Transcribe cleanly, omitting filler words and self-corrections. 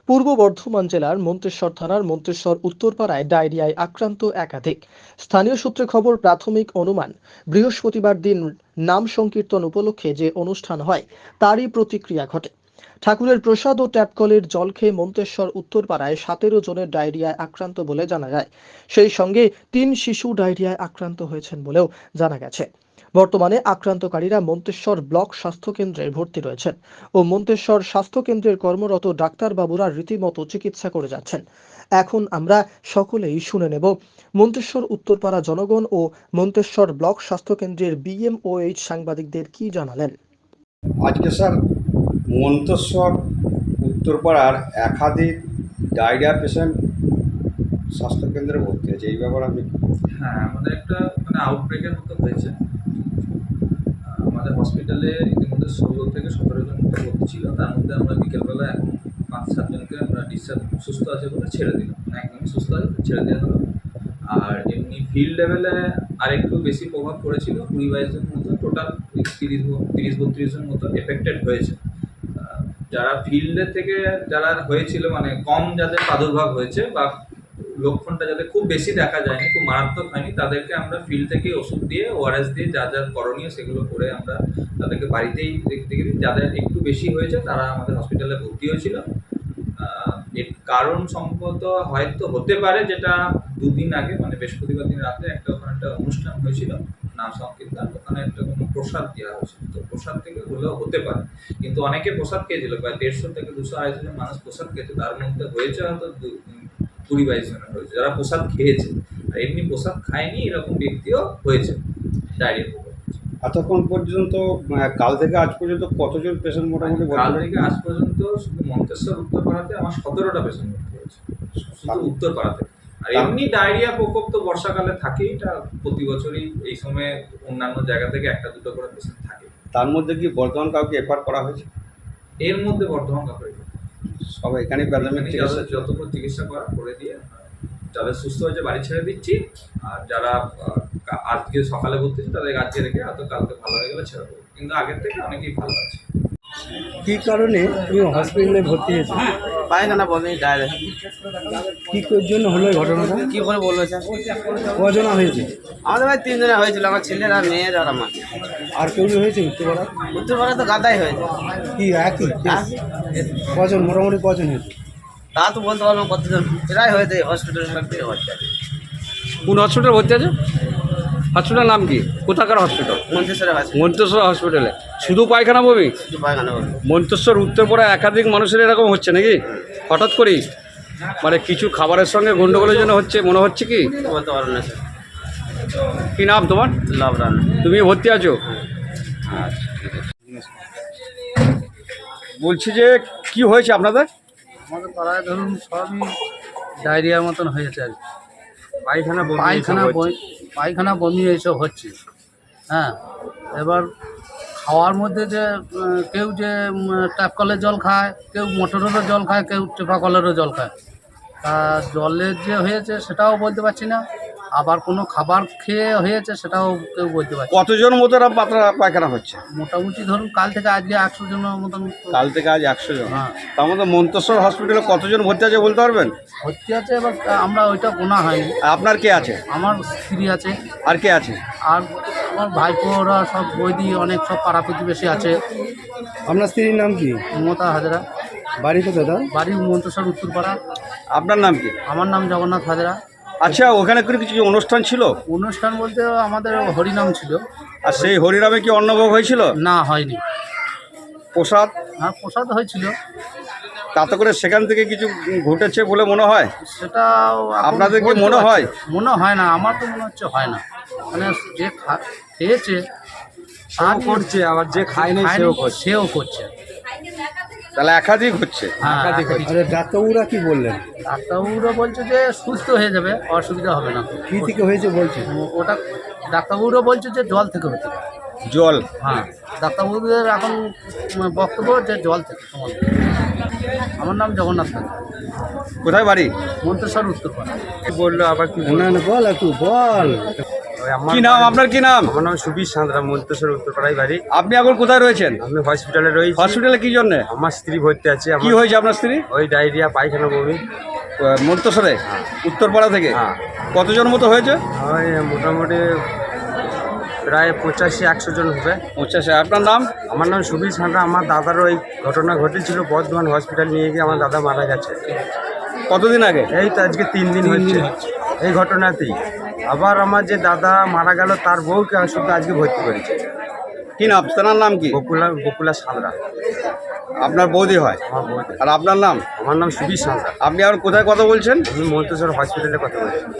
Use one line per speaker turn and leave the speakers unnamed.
পূর্ব বর্ধমান জেলার মন্তেশ্বর থানার মন্তেশ্বর উত্তরপাড়ায় ডায়রিয়ায় আক্রান্ত একাধিক। স্থানীয় সূত্রে খবর, প্রাথমিক অনুমান বৃহস্পতিবার দিন নাম সংকীর্তন উপলক্ষে যে অনুষ্ঠান হয় তারই প্রতিক্রিয়া ঘটে। ঠাকুরের প্রসাদ ও ট্যাপকলের জল খেয়ে মন্তেশ্বর উত্তরপাড়ায় 17 জনের ডায়রিয়ায় আক্রান্ত বলে জানা যায়। সেই সঙ্গে 3 শিশু ডায়রিয়ায় আক্রান্ত হয়েছেন বলেও জানা গেছে। বর্তমানে আক্রান্তকারীরা মন্তেশ্বর ব্লক স্বাস্থ্য কেন্দ্রে ভর্তি রয়েছেন ও মন্তেশ্বর স্বাস্থ্য কেন্দ্রের কর্মরত ডাক্তারবাবুরা রীতিমতো চিকিৎসা করে যাচ্ছেন। এখন আমরা সকলেই শুনে নেব মন্তেশ্বর উত্তরপাড়া জনগণ ও মন্তেশ্বর ব্লক স্বাস্থ্য কেন্দ্রের BMOH সাংবাদিকদের কি জানালেন।
আজকে স্যার মন্তেশ্বর উত্তরপাড়ার একাধিক ডায়রিয়া পেশেন্ট স্বাস্থ্যকেন্দ্রে ভর্তি আছে, এই ব্যাপারে আমি
হ্যাঁ, আমাদের একটা আউটব্রেকের মতো হয়েছে। আমাদের হসপিটালে ইতিমধ্যে 16 থেকে 17 জন মতো ভর্তি ছিল। তার মধ্যে আমরা বিকেলবেলা এখন 5-7 জনকে আমরা ডিসচার্জ সুস্থ আছে বলে ছেড়ে দিলাম, একদমই সুস্থ আছে ছেড়ে দেওয়া হলো। আর এমনি ফিল্ড লেভেলে আরেকটু বেশি প্রভাব পড়েছিল, 20-22 জন মতো, টোটাল 30-32 জন মতো এফেক্টেড হয়েছে। যারা ফিল্ডের থেকে যারা হয়েছিল, মানে কম যাদের প্রাদুর্ভাব হয়েছে বা লক্ষণটা যাদের খুব বেশি দেখা যায়নি, খুব মারাত্মক হয়নি, তাদেরকে আমরা ফিল্ড থেকে ওষুধ দিয়ে, ORS দিয়ে যা যা করণীয় সেগুলো করে আমরা তাদেরকে বাড়িতেই দেখতে গেছি। যাদের একটু বেশি হয়েছে তারা আমাদের হসপিটালে ভর্তি হয়েছিল। এর কারণ সম্ভবত হয়তো হতে পারে, যেটা 2 দিন আগে মানে বৃহস্পতিবার দিন রাতে ওখানে একটা অনুষ্ঠান হয়েছিল নাম সংকীর্তন, ওখানে একটা কোনো প্রসাদ দেওয়া হয়েছিল, তো প্রসাদ থেকে হলেও হতে পারে। কিন্তু অনেকে প্রসাদ খেয়েছিল, প্রায় 150 থেকে 200-250 জন মানুষ প্রসাদ খেয়েছে, তার মধ্যে হয়েছে হয়তো 20-22 জনের হয়েছে যারা প্রসাদ খেয়েছে। আর এমনি প্রসাদ খায়নি এরকম ব্যক্তিও হয়েছে ডায়রিয়া।
এতক্ষণ পর্যন্ত কাল থেকে আজ পর্যন্ত কতজন পেশেন্ট মোটামুটি
কাল থেকে আজ পর্যন্ত শুধু মন্তেশ্বর উত্তরপাড়াতে আমার 17টা পেশেন্ট ভর্তি হয়েছে, শুধু উত্তরপাড়াতে। আর এমনি ডায়রিয়া প্রকোপ তো বর্ষাকালে থাকেই, এটা প্রতি বছরই এই সময় অন্যান্য জায়গা থেকে 1-2 করে পেশেন্ট থাকে।
তার মধ্যে কি বর্ধমান কাউকে এফআর করা হয়েছে?
এর মধ্যে বর্ধমান কাপড়
সব এখানে প্রাথমিক চিকিৎসা
যতক্ষণ চিকিৎসা করে দিয়ে যাদের সুস্থ হয়েছে বাড়ি ছেড়ে দিচ্ছি। আর যারা আজকে সকালে ভর্তি হচ্ছে তাদের আজকে রেখে হয়তো কালকে ভালো হয়ে গেলে ছেড়ে দেবো, কিন্তু আগের থেকে অনেকেই ভালো আছে।
কি কারণে তুমি হসপিটালে ভর্তি হয়েছো?
পায়খানা বমি, ডায়রিয়া।
কি জন্য হলো এই ঘটনাটা?
কি করে বলবো স্যার?
কজনা হয়েছে?
আমাদের ভাই 3 জনে হয়েছিল, আমার ছেলের আর মেয়ের আর আমার।
আর কেউ হয়েছে উত্তরপাড়া?
উত্তরপাড়া তো গাদাই হয়েছে।
কি একই কজন, মোটামুটি কজন হয়েছে?
তা তো বলতে পারবো কতজন, প্রায় হয়েছে হসপিটালে ভর্তি হচ্ছে।
কোন হসপিটালে ভর্তি আছে? হসপিটালের নাম কি? কোথাকার হসপিটাল?
মন্তেশ্বরে আছে,
মন্তেশ্বর হসপিটালে। শুধু পায়খানা বমি?
শুধু পায়খানা বমি।
মন্তেশ্বর উত্তরপাড়ায় একাধিক মানুষের এরকম হচ্ছে নাকি হঠাৎ করেই? মানে কিছু খাবারের সঙ্গে গন্ডগোলের জন্য হচ্ছে মনে হচ্ছে কি?
বলতে পারবো না স্যার।
কি নাম তোমার?
লাভ রান্না।
তুমি ভর্তি আছো? আচ্ছা, ঠিক আছে। বলছি যে কি হয়েছে আপনাদের?
আমাদের পাড়ায় ধরুন সবই ডায়রিয়ার মতন হয়েছে আর কি। পায়খানা বমি এইসব হচ্ছে। হ্যাঁ, এবার খাওয়ার মধ্যে যে কেউ যে ট্যাপ কলের জল খায়, কেউ মোটরেরও জল খায়, কেউ টেপা কলেরও জল খায়। তা জলের যে হয়েছে সেটাও বলতে পারছি না, আবার কোনো খাবার খেয়ে হয়েছে সেটাও কেউ বলতে পারছি না।
কতজন মতো পাতলা পায়খানা হচ্ছে?
মোটামুটি ধরুন কাল থেকে আজকে 100 জনের মতন।
কাল থেকে আজ 100 জন।
হ্যাঁ,
তার মধ্যে মন্তেশ্বর হসপিটালে কতজন ভর্তি আছে বলতে পারবেন?
ভর্তি আছে, এবার আমরা ওইটা গোনা হয়নি।
আপনার কে আছে?
আমার স্ত্রী আছে,
আর কে আছে?
আর আমার ভাইপোরা সব বৈদি অনেক সব পাড়া প্রতিবেশী আছে।
আপনার স্ত্রীর নাম কি?
মমতা হাজরা।
বাড়ি কোথায় তার?
বাড়ি মন্তেশ্বর উত্তরপাড়া।
আপনার নাম কি?
আমার নাম জগন্নাথ হাজরা।
আচ্ছা, ওখানে করে কিছু অনুষ্ঠান ছিল?
অনুষ্ঠান বলতে আমাদের হরিনাম ছিল।
আর সেই হরিনামে কি অন্নভোগ হয়েছিল?
না, হয়নি।
প্রসাদ?
হ্যাঁ, প্রসাদ হয়েছিল।
তাতে করে সেখান থেকে কিছু ঘটেছে বলে মনে হয়?
সেটা
আপনাদের কি মনে হয়?
মনে হয় না, আমার তো মনে হচ্ছে হয় না। মানে যে খেয়েছে
তাও করছে, আবার যে খায়নি
সেও করছে।
তাহলে একাধিক হচ্ছে।
হ্যাঁ, একাধিক হচ্ছে।
আরে ডাক্তারবাবুরা কি বললেন?
ডাক্তারবাবুরা বলছে যে সুস্থ হয়ে যাবে, অসুবিধা হবে না।
কি থেকে হয়েছে বলছে?
ওটা ডাক্তারবাবুরা বলছে যে জল থেকে হতে পারে।
জল?
হ্যাঁ, ডাক্তারবাবুদের এখন বক্তব্য যে জল থেকে। আমার নাম জগন্নাথ হাজরা।
কোথায় বাড়ি?
মন্তেশ্বর উত্তরপাড়া।
বললো আবার কি?
না না, বল একটু বল।
আমার
কি নাম আপনার, কি নাম?
আমার নাম সুবীর সাঁতরা, মন্তেশ্বর উত্তরপাড়ায় বাড়ি।
আপনি এখন কোথায় রয়েছেন?
আমি হসপিটালে রয়েছি।
হসপিটালে কি জন্য?
আমার স্ত্রী ভর্তি আছে।
কি হয়েছে আপনার স্ত্রী?
ওই ডায়রিয়া, পায়খানা, বমি।
মন্তেশ্বরে উত্তরপাড়া থেকে
হ্যাঁ।
কতজন মতো হয়েছে?
ওই মোটামুটি প্রায় 85-100 জন হবে।
85। আপনার নাম?
আমার নাম সুবীর সাঁতরা। আমার দাদারও এই ঘটনা ঘটেছিল, বর্ধমান হসপিটাল নিয়ে গিয়ে আমার দাদা মারা গেছে।
কতদিন আগে?
এই তো আজকে 3 দিন হচ্ছে এই ঘটনাতেই। আবার আমার যে দাদা মারা গেল তার বউকে শুধু আজকে ভর্তি করেছে।
কি নাম? তেনার নাম কি?
বকুলা সাঁতরা
আপনার বৌদি হয়?
আমার বউকে।
আর আপনার নাম?
আমার নাম সুবীর সাঁতরা।
আপনি আর কোথায় কথা বলছেন?
আমি মন্তেশ্বর হসপিটালে কথা বলছি।